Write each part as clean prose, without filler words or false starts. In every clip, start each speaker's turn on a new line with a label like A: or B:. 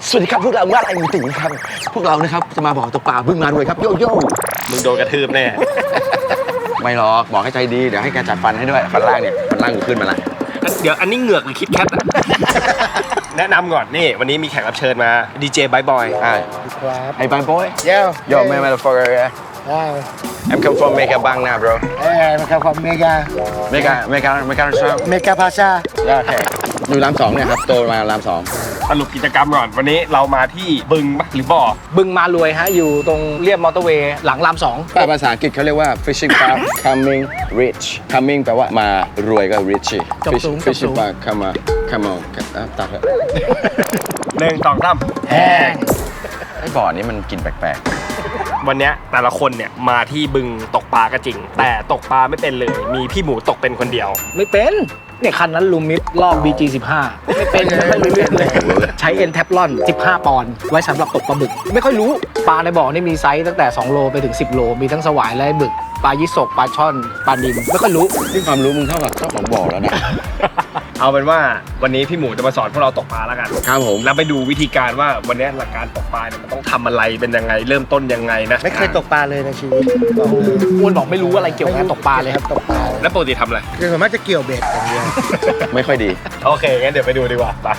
A: สวัสดีครับพวกเราว่าอะไรมีติ่งครับพวกเรานะครับจะมาบอกตกปลาบึ้งมารวยครับโยโย่
B: มึงโดนกระทืบแน่
A: ไม่หรอกบอกให้ใจดีเดี๋ยวให้แกจัดฟันให้ด้วยฟันล่างเนี่ยฟันล่างอยู่ขึ้นมาละ
B: เดี๋ยวอันนี้เหงือกหรือคิดแคทอะแนะนำก่อนนี่วันนี้มีแขกรับเชิญมาดีเจบายบอย
A: Hey bang boy Yo man motherfucker I'm come from Mega Bang now bro
C: I'm from Mega Pasha
A: Okay อยู่รามสองเนี่ยครับโตมารามสอง
B: สรุปกิจกรรมก่อนวันนี้เรามาที่บึงหรือบ่อ
C: บึงมารวยฮะอยู่ตรงเรียบมอเตอร์เวย์หลังรามสอง
A: ภาษาอังกฤษเขาเรียกว่า fishing park coming rich coming แปลว่ามารวยก็ rich fishing park come on ตัดเถอะ
B: 1 2 3
C: แห้ง
A: ไอ้บ่อนี้มันกินแปลก
B: ๆวันนี้แต่ละคนเนี่ยมาที่บึงตกปลาก็จริงแต่ตกปลาไม่เป็นเลยมีพี่หมูตกเป็นคนเดียว
C: ไม่เป็นเนี่ยคันนั้นลูมิดลอก BG15 ไม่เป็นไม่รู้เรื่องเลยใช้เอ็นแทฟลอน15 ปอนด์ไว้สำหรับตกปลาบึกไม่ค่อยรู้ปลาในบ่อนี่มีไซส์ตั้งแต่2 โลไปถึง10 โลมีทั้งสวายและบึกปลายี่สกปลาช่อนปลานิลไม่ค่อยรู้
A: นี่ความรู้มึงเท่ากับเจ้าของบ่อแล้วนะ
B: เอาเป็นว่าวันนี้พี่หมูจะมาสอนพวกเราตกปลาแล้วกัน
A: ครับผม
B: แล้วไปดูวิธีการว่าวันนี้หลักการตกปลาเนี่ยมันต้องทำอะไรเป็นยังไงเริ่มต้นยังไงนะ
C: ไม่เคยตกปลาเลยในชีวิตอ้วนบอกไม่รู้อะไรเกี่ยวกับตกปลาเลยครับตกปลา
B: แล้วปกติทำอะไร
C: คือผมว่าจะเกี่ยวเบ็ดอย่างเดียว
A: ไม่ค่อยดี
B: โอเคงั้นเดี๋ยวไปดูดีกว่าไป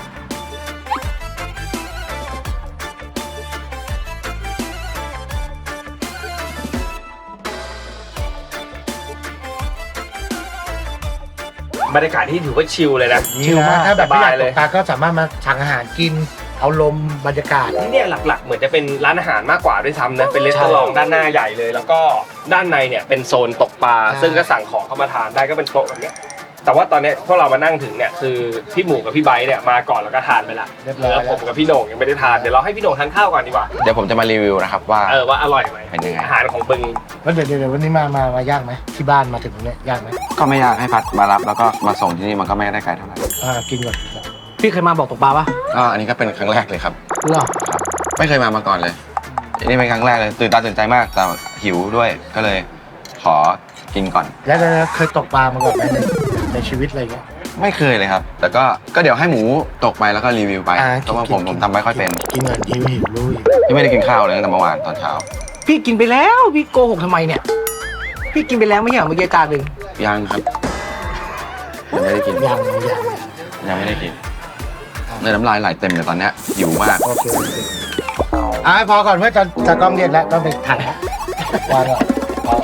B: บรรยากาศที่ถือว่าชิลเลยนะ
C: ชิลมากถ้าแบบไม่อยากตกปลาก็สามารถมาสั่งอาหารกินเอาลมบรรยากาศ
B: ที่เนี่ยหลักๆเหมือนจะเป็นร้านอาหารมากกว่าด้วยซ้ำนะเป็นรีสอร์ทด้านหน้าใหญ่เลยแล้วก็ด้านในเนี่ยเป็นโซนตกปลาซึ่งก็สั่งของเข้ามาทานได้ก็เป็นโต๊ะแบบนี้แต่ว่าตอนนี้พวกเรามานั่งถึงเนี่ยคือพี่หมูกับพี่ไบร์ทเนี่ยมาก่อนแล้วก็ทานไปละแล้วผมกับพี่โหน่งยังไม่ได้ทานเดี๋ยวเราให้พี่โหน่งทานข้าวก่อนดีกว่า
A: เดี๋ยวผมจะมารีวิวนะครับว่า
B: อร่อยไหม
A: เป็นยังไง
B: อาหารของบึง
C: วันเดี๋ยววันนี้มายากไหมที่บ้านมาถึงเนี่ยยากไหม
A: ก็ไม่ยากให้พัดมารับแล้วก็มาส่งที่นี่มันก็ไม่ได้ไกลเท่าไหร่
C: กินก่อนพี่เคยมาบอกตกปลาปะ
A: อันนี้ก็เป็นครั้งแรกเลยครับ
C: เหรอ
A: ครับไม่เคยมาก่อนเลยอันนี้เป็นครั้งแรกเลยตื่นตาตื่นใจมากแต่หิวด้วยก็เลยขอกินก่อน
C: แล้วเคยตกปลามาก่อนไหมในชีวิตอะไรเงี้ย
A: ไม่เคยเลยครับแต่ก็เดี๋ยวให้หมูตกไปแล้วก็รีวิวไปเพราะว่าผมทำไม่ค่อยเป็น
C: กินเงินหิวรู้
A: ที่ไม่ได้กินข้าวเลยตั้งแต่เมื่อวานตอนเช้า
C: พี่กินไปแล้วพี่โกหกทำไมเนี่ยพี่กินไปแล้วไม่ใช่เหรอเมื่อกี้จานหนึ่ง
A: ยังครับยังไม่ได้กิน
C: ยัง
A: ไม่ได้กินเลยน้ำลายไหลเต็มเลยตอนนี้หิวมาก
C: โอเคพอก่อนเพื่อจะกล้องเรียกแล้วต้องไปถ่ายวางก่อน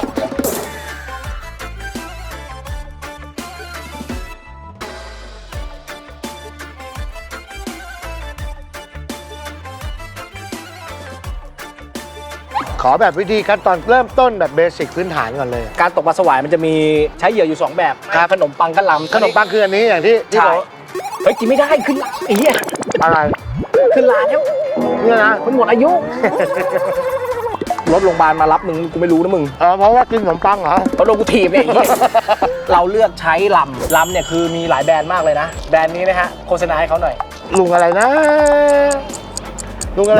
C: ขอแบบวิธีขั้นตอนเริ่มต้นแบบเบสิกพื้นฐานก่อนเลยการตกปลาสวายมันจะมีใช้เหยื่ออยู่2แบบขนมปังกับลำขนมปังคืออันนี้อย่างที่บอกเฮ้ยกินไม่ได้ขึ้นลาไอ้เหี้ยอะไรขึ้นลาแล้วเนี่ยนะมันหมดอายุรถโรงพยาบาลมารับมึงกูไม่รู้นะมึงเพราะว่ากินขนมปังเหรอเพราะโดนกูถีบเนี่ยเราเลือกใช้ลำเนี่ยคือมีหลายแบรนด์มากเลยนะแบรนด์นี้นะฮะโฆษณาให้เขาหน่อยลุงอะไรนะลุง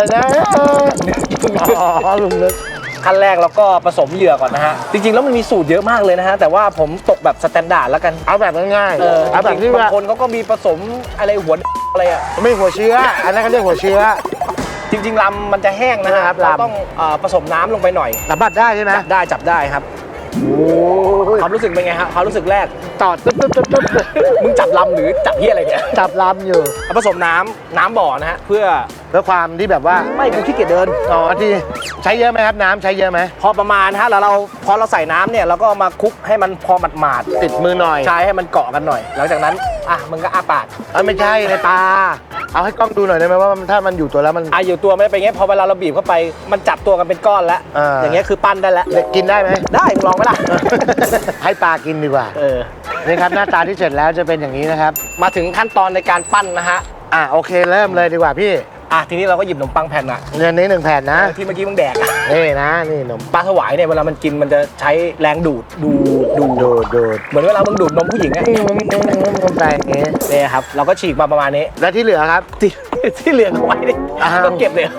C: นึกขั้นแรกแล้วก็ผสมเหยื่อก่อนนะฮะจริงๆแล้วมันมีสูตรเยอะมากเลยนะฮะแต่ว่าผมตกแบบสแตนดาร์ดแล้วกันเอาแบบง่ายๆเอาแบบที่บางคนเขาก็มีผสมอะไรหัวอะไรอ่ะไม่หัวเชื้ออันนั้นเขาเรียกหัวเชื้อจริงๆลำมันจะแห้งนะครับเราต้องผสมน้ำลงไปหน่อยจับได้ใช่ไหมจับได้ครับความรู้สึกเป็นไงฮะความรู้สึกแรกต่อตึ๊บมึงจับลำหรือจับเหี้ยอะไรเนี่ยจับลำอยู่ผสมน้ำบ่อนะฮะเพื่อความที่แบบว่าไม่กูขี้เกียจเดินที่ใช้เยอะไหมครับน้ำใช้เยอะไหมพอประมาณฮะแล้วพอเราใส่น้ำเนี่ยเราก็มาคลุกให้มันพอหมาดติดมือหน่อยใช้ให้มันเกาะกันหน่อยหลังจากนั้นมึงก็อ้าปากไม่ใช่ในตาเอาให้กล้องดูหน่อยได้ไหมว่าถ้ามันอยู่ตัวแล้วมันอยู่ตัวไม่ได้เป็นไงพอเวลาเราบีบเข้าไปมันจับตัวกันเป็นก้อนแล้วอย่างเงี้ยคือปั้นได้แล้วกินได้ไหมได้ลองไหมล่ะให้ปลากินดีกว่านี่ครับหน้าตาที่เสร็จแล้วจะเป็นอย่างนี้นะครับมาถึงขั้นตอนในการปั้นนะฮะโอเคเริ่มเลยดีกว่าพี่ทีนี้เราก็หยิบขนมปังแผ่นเงินนี้1แผ่นนะที่เมื่อกี้มึงแดกนี่นะนี่ขนมปลาสวายเนี่ยเวลามันกินมันจะใช้แรงดูดเหมือนเวลามึงดูดนมผู้หญิงอะคนใจอย่างงี้นี่ครับเราก็ฉีกมาประมาณนี้แล้วที่เหลือครับที่เหลือเอาไว้ดิต้องเก็บเลย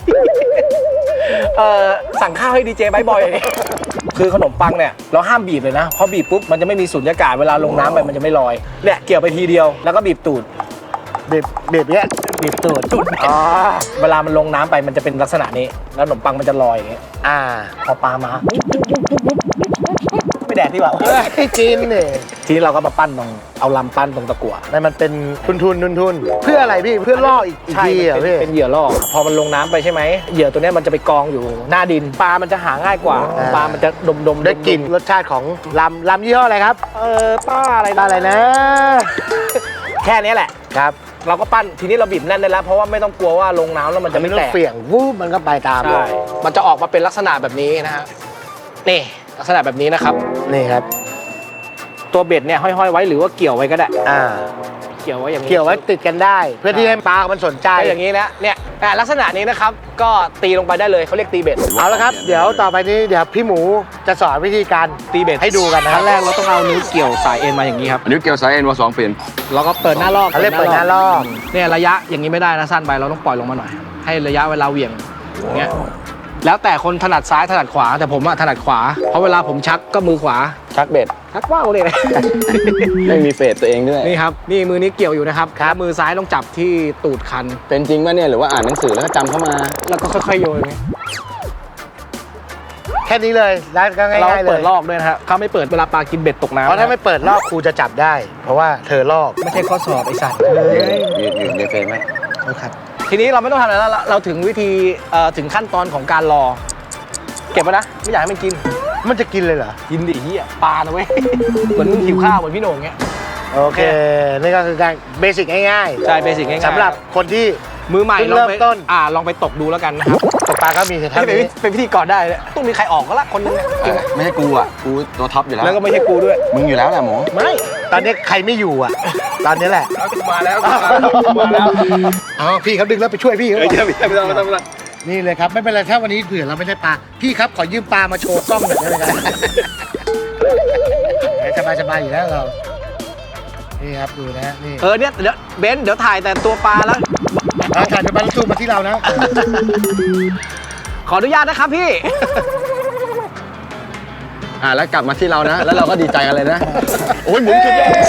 C: สั่งข้าวให้ดีเจบายบอยอย่างนี้คือขนมปังเนี่ยเราห้ามบีบเลยนะเพราะบีบปุ๊บมันจะไม่มีสุญญากาศเวลาลงน้ำไปมันจะไม่ลอยเนี่ยเกี่ยวไปทีเดียวแล้วก็บีบตูดบีบเนี้ยบีบตูดอ๋อเวลามันลงน้ำไปมันจะเป็นลักษณะนี้แล้วขนมปังมันจะลอยอย่างเงี้ยพอปลามาไม่แดกดีกว่าให้กินเนี่ยทีนี้เราก็มาปั้นตรงเอาลำปั้นตรงตะกั่วนั่นมันเป็นทุนเพื่ออะไรพี่เพื่อล่ออีกทีอ่ะพี่เป็นเหยื่อล่อพอมันลงน้ำไปใช่ไหมเหยื่อตัวนี้มันจะไปกองอยู่หน้าดินปลามันจะหาง่ายกว่าปลามันจะดมได้กลิ่นรสชาติของลำยี่ห้ออะไรครับป้าอะไรนะ แค่นี้แหละครับเราก็ปั้นทีนี้เราบีบแน่นได้แล้วเพราะว่าไม่ต้องกลัวว่าลงน้ำแล้วมันจะไม่แตกเปี่ยงวูบมันก็ไปตามใช่มันจะออกมาเป็นลักษณะแบบนี้นะฮะนี่ลักษณะแบบนี้นะครับนี่ครับตัวเบ็ดเนี่ยห้อยๆไว้หรือว่าเกี่ยวไว้ก็ได้เกี่ยวไว้อย่างนี้เกี่ยวไว้ติดกันได้เพื่อที่ให้ปลามันสนใจอย่างนี้นะเนี่ยลักษณะนี้นะครับก็ตีลงไปได้เลยเขาเรียกตีเบ็ดเอาละครับเดี๋ยวต่อไปนี้เดี๋ยวพี่หมูจะสอนวิธีการตีเบ็ดให้ดูกันนะขั้นแรกเราต้องเอานิ้วเกี่ยวสายเอ็นมาอย่างนี้ครับ
A: อันนี้เกี่ยวสายเอ็นว่า2เปลี่ยน
C: เราก็เปิดหน้าลอกเขาเรียกเปิดหน้าลอกเนี่ยระยะอย่างนี้ไม่ได้นะสั้นไปเราต้องปล่อยลงมาหน่อยให้ระยะเวลาเหวี่ยงอย่างเงี้ยแล้วแต่คนถนัดซ้ายถนัดขวาแต่ผมอะถนัดขวาเพราะเวลาผมชักก็มือขวา
A: ชักเบ็ด
C: ชักว่าวเลย
A: ไม่มีเฟสตัวเองด้วย
C: นี่ครับนี่มือนี้เกี่ยวอยู่นะครับมือซ้ายต้องจับที่ตูดคัน
A: เป็นจริงป่ะเนี่ยหรือว่าอ่านหนังสือแล้วก็จำเข้ามา
C: แล้วก็ค่อยๆโยนแค่นี้เลยแล้วก็ง่ายๆเลยเราเปิดลอกด้วยนะฮะเขาไม่เปิดเวลาปลากินเบ็ดตกน้ำเพราะถ้าไม่เปิดลอกครูจะจับได้เพราะว่าเธอลอกไม่ใช่ข้อสอบไอ้สัตว์
A: ยืนในเฟรมไหม
C: ครับทีนี้เราไม่ต้องทำอะไรแล้วเราถึงวิธีถึงขั้นตอนของการรอเก็บไว้นะไม่อยากให้มันกินมันจะกินเลยเหรอกินดิเหี้ยปลานะเว้ยเหมือนมึงหิวข้าวเหมือนพี่โหน่งเงี้ยโอเคนี่ก็คือการเบสิกง่ายๆใช่เบสิกง่ายๆสำหรับคนที่มือใหม่เริ่มต้นลองไปตกดูแล้วกันนะครับตกปลาก็มีท่านี้เป็นพิธีกรได้ต้องมีใครออกก็ละคนนึง
A: ไม่ใช่กูอ่ะกูตัวท็อปอยู่แล้ว
C: ก็ไม่ใช่กูด้วย
A: มึงอยู่แล้วแหละหมู
C: ไม่ตอนนี้ใครไม่อยู่อ่ะตอนนี้แหละ
B: มาแล้ว
C: พี่เขาดึงแล้วไปช่วยพี่เขา
B: ไม่ต้อง
C: นี่เลยครับไม่เป็นไรถ้าวันนี้เผื่อเราไม่ได้ปลาพี่ครับขอยืมปลามาโชว์กล้องหน่อยได้ไหมครับสบายอยู่แล้วเรานี่ครับดูนะนี่เนี่ยเดี๋ยวเบนซ์เดี๋ยวถ่ายแต่ตัวปลาแล้วถ่ายตัวปลาแล้วซูมมาที่เรานะขออนุญาตนะครับพี่
A: แล้วกลับมาที่เรานะแล้วเราก็ดีใจกันเลยนะโอ้ยหมุน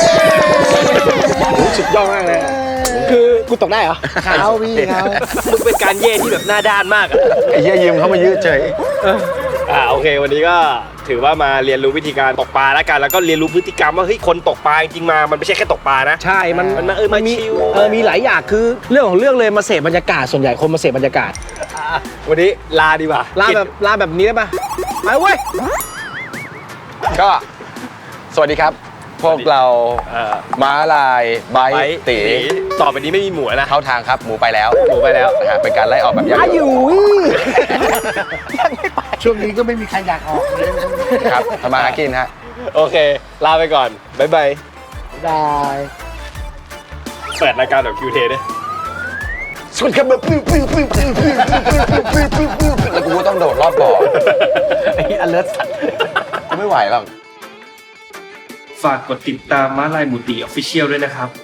A: สุดยอดมากเลย
C: คือกูตกได้เหรอเขาพี่เขา
B: มึงเป็นการเย่ที่แบบหน้าด้านมาก
A: ไอ้เหี้ยยืมเขามายืดเฉย
B: โอเควันนี้ก็ถือว่ามาเรียนรู้วิธีการตกปลาแล้วกันแล้วก็เรียนรู้พฤติกรรมว่าเฮ้ยคนตกปลาจริงๆมันไม่ใช่แค่ตกปลานะ
C: ใช่มันมีหลายอย่างคือเรื่องของเรื่องเลยมาเสพบรรยากาศส่วนใหญ่คนมาเสพบรรยากาศ
B: วันนี้ลาดีกว่า
C: ลาแบบนี้ได้ปะไปเว้ย
A: ก็สวัสดีครับพวกเราม้าลายไบค์ตี
B: ต่อไปนี้ไม่มีหมูนะ
A: เข้าทางครับหมูไปแล้วนะฮะเป็นการไล่ออกแบบ
C: ยังอยู่ยังไม่ไปช่วงนี้ก็ไม่มีใครอยากออก
A: ครับทำมาหากินฮะ
B: โอเคลาไปก่อนบ๊ายบายเปิดรายการแบบคิวเทด้วย
A: สวัสดีครับแล้วกูก็ต้องโดดรอบบ่อ
C: ไอ้อเลิร์ตสัตว์
A: กูไม่ไหวหรอก
B: ฝากกดติดตามม้าลายมูติ Official ด้วยนะครับ